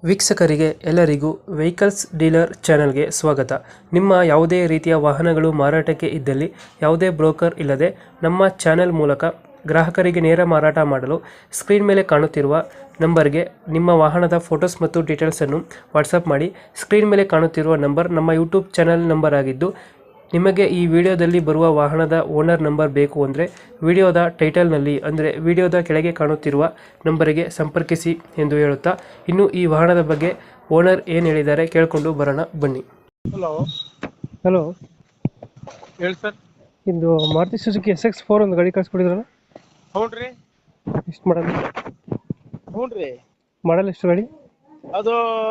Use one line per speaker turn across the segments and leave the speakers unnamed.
ವೀಕ್ಷಕರಿಗೆ ಎಲ್ಲರಿಗೂ vehicles dealer ಚಾನೆಲ್ಗೆ ಸ್ವಾಗತ. ನಿಮ್ಮ ಯಾವುದೇ ರೀತಿಯ ವಾಹನಗಳು ಮಾರಾಟಕ್ಕೆ ಇದ್ದಲ್ಲಿ ಯಾವುದೇ ಬ್ರೋಕರ್ ಇಲ್ಲದೆ ನಮ್ಮ ಚಾನೆಲ್ ಮೂಲಕ ಗ್ರಾಹಕರಿಗೆ ನೇರ ಮಾರಾಟ ಮಾಡಲು ಸ್ಕ್ರೀನ್ ಮೇಲೆ ಕಾಣುತ್ತಿರುವ ನಂಬರ್ಗೆ ನಿಮ್ಮ ವಾಹನದ ಫೋಟೋಸ್ ಮತ್ತು ಡೀಟೇಲ್ಸನ್ನು ವಾಟ್ಸಪ್ ಮಾಡಿ. ಸ್ಕ್ರೀನ್ ಮೇಲೆ ಕಾಣುತ್ತಿರುವ ನಂಬರ್ ನಮ್ಮ ಯೂಟ್ಯೂಬ್ ಚಾನೆಲ್ ನಂಬರ್ ಆಗಿದ್ದು, ನಿಮಗೆ ಈ ವಿಡಿಯೋದಲ್ಲಿ ಬರುವ ವಾಹನದ ಓನರ್ ನಂಬರ್ ಬೇಕು ಅಂದರೆ ವಿಡಿಯೋದ ಟೈಟಲ್ನಲ್ಲಿ ಅಂದರೆ ವಿಡಿಯೋದ ಕೆಳಗೆ ಕಾಣುತ್ತಿರುವ ನಂಬರಿಗೆ ಸಂಪರ್ಕಿಸಿ ಎಂದು ಹೇಳುತ್ತಾ, ಇನ್ನು ಈ ವಾಹನದ ಬಗ್ಗೆ ಓನರ್ ಏನು ಹೇಳಿದ್ದಾರೆ ಕೇಳಿಕೊಂಡು ಬರೋಣ ಬನ್ನಿ.
ಹಲೋ
ಹಲೋ,
ಹೇಳಿ ಸರ್.
ಇದು ಮಾರುತಿ ಸುಜುಕಿ SX4 ಒಂದು ಗಾಡಿ ಕಳಿಸ್ಕೊಡಿದ್ರಲ್ಲ,
ಹ್ಞೂ ರೀ.
ಎಷ್ಟು ಮಾಡಲ್?
ಹ್ಞೂ ರೀ,
ಮಾಡಲ್ ಎಷ್ಟು ಗಾಡಿ?
ಅದು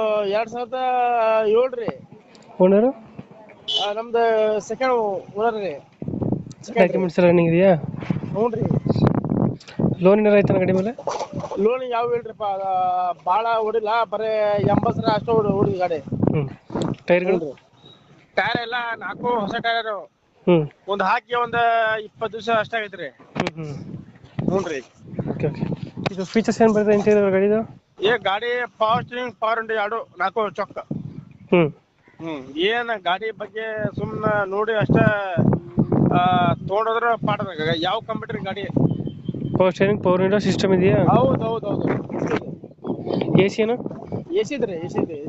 2007 ರೀ.
ಓನರು?
ನಮ್ದು ಸೆಕೆಂಡ್ ಓನರ್ ರೀ.
ಡಾಕ್ಯುಮೆಂಟ್ಸ್ ಎಲ್ಲ ರನ್ನಿಂಗ್ ಇದೆಯಾ?
ಹ್ಞೂ ರೀ.
ಲೋನ್ ಏನಾರ ಆಯ್ತಾನ ಗಾಡಿ ಮೇಲೆ?
ಲೋನ್ ಯಾವ ಇಲ್ರಿಪ್ಪ, ಭಾಳ ಹೊಡಿಲ್ಲ, ಬರೀ 80 ಅಷ್ಟು ಹೊಡಿದ ಗಾಡಿ.
ಟೈರ್ಗಳು?
ಟೈರ್ ಎಲ್ಲ 4 ಹೊಸ ಟೈರು. ಒಂದು ಹಾಕಿ ಒಂದು 20 ದಿವಸ ಅಷ್ಟೇ ಆಗೈತೆ ರೀ. ಹ್ಞೂ ರೀ.
Okay okay. ಇದು ಫೀಚರ್ಸ್ ಏನು ಬರ್ತದೆ ಇಂಟೀರಿಯರ್ ಗಾಡಿದು?
ಗಾಡಿ ಪವರ್ ಸ್ಟೀರಿಂಗ್, ಪವರ್ ವಿಂಡೋ ಎರಡು 4 ಚೊಕ್ಕ. ಏನ್ ಗಾಡಿ ಬಗ್ಗೆ ಸುಮ್ಮನೆ ನೋಡಿ ಅಷ್ಟೇ ತೊಗೊಂಡ್ರೆ ಪಾಠದಾಗ. ಯಾವ ಕಂಪ್ಯೂಟರ್ ಗಾಡಿ?
Power steering, power window system ಇದೆಯಾ?
ಹೌದು.
AC ಏನು?
AC ಇದೆ.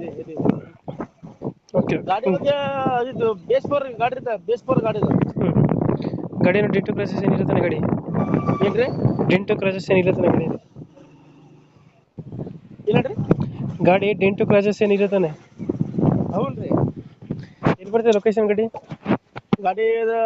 ಓಕೆ.
ಗಾಡಿ ಬಗ್ಗೆ ಇದು ಬೇಸ್ ಪವರ್ ಗಾಡಿ ಇದೆ, ಬೇಸ್ ಪವರ್ ಗಾಡಿ ಇದೆ.
ಗಾಡಿ ಏನು ಡೆಂಟು ಕ್ರಾಚಸ್ ಏನಿರುತ್ತಾನೆ ಗಾಡಿ?
ಏನ್ರಿ?
ಡೆಂಟು ಕ್ರಾಚಸ್ ಏನಿರುತ್ತಾನೆ ಗಾಡಿ?
ಏನ್ರಿ?
ಗಾಡಿ ಡೆಂಟು ಕ್ರಾಚಸ್ ಏನಿರುತ್ತಾನೆ?
ಹೌದು ರೀ.
ಎಲ್ಲಿ ಬರ್ತದೆ ಲೊಕೇಶನ್ ಗಾಡಿ?
ಗಾಡಿ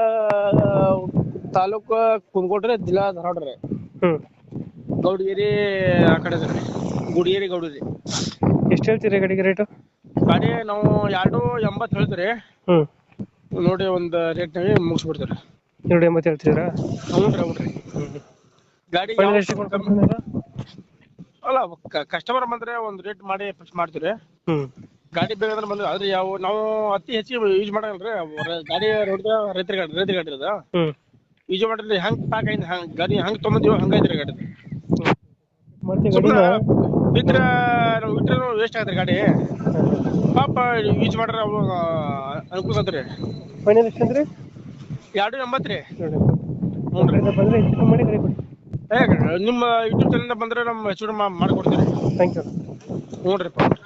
ತಾಲೂಕು ಕುಂದಗೋಡ್ರಿ, ಜಿಲ್ಲಾ ಧಾರವಾಡ ರೀ. ಗೌಡಗಿರಿ ಆ ಕಡೆ ರೀ, ಗುಡಿಗೇರಿ ಗೌಡಗಿರಿ.
ಎಷ್ಟು ಹೇಳ್ತೀರಿ ಗಾಡಿಗೆ ರೇಟು?
ಗಾಡಿ ನಾವು 280 ಹೇಳ್ತೀರಿ. ನೋಡಿ ಒಂದು ರೇಟ್ನಾಗೆ ಮುಗಿಸ್ಬಿಡ್ತೀರಿ.
280 ಹೇಳ್ತಿದ್ದೀರಾ?
ಹ್ಞೂ ರೀ. ಗಾಡಿ ಅಲ್ಲ, ಕಸ್ಟಮರ್ ಬಂದ್ರೆ ಒಂದು ರೇಟ್ ಮಾಡಿ ಫಿಕ್ಸ್ ಮಾಡ್ತೀರಿ. ಗಾಡಿ ಬೇಕಾದ್ರೆ ಬಂದ್ರೆ, ಆದ್ರೆ ನಾವು ಅತಿ ಹೆಚ್ಚಿಗೆ ಯೂಸ್ ಮಾಡಲ್ರಿ ಗಾಡಿ. ರೋಡ್ದ ರೈತರ ಗಾಡಿ ಅದ ಯೂಸ್ ಮಾಡಿದ್ರೆ ಹೆಂಗ್ ಪ್ಯಾಕ್ ಐತಿ, ಗಾಡಿ ಹೆಂಗ್ ತೊಗೊಂಬಂದಿವೋ ಹಂಗೈತ್ರಿ ಗಾಡಿ. ಬಿದ್ರೆ ನಾವು ಇಟ್ಟರೆ ವೇಸ್ಟ್ ಆಗತ್ರಿ ಗಾಡಿ. ಪಾಪ ಯೂಸ್ ಮಾಡ್ರೆ ಅವು ಅನುಕೂಲ ಆತ್ರಿ.
ಫೈನಲ್ ಎಷ್ಟು ಅಂದ್ರೆ
280 ರೀ.
ಹ್ಞೂ ರೀ. ಬಂದರೆ ಹೆಚ್ಚು ಮಾಡಿ ಗಾಡಿ ಕೊಡಿ.
ನಿಮ್ಮ ಯೂಟ್ಯೂಬ್ ಚಾನಲ್ ಬಂದ್ರೆ ನಮ್ಮ ಹೆಚ್ಚು ಮಾಡಿಕೊಡ್ತೀರಿ.
Thank you.
ಹ್ಞೂ ರೀ.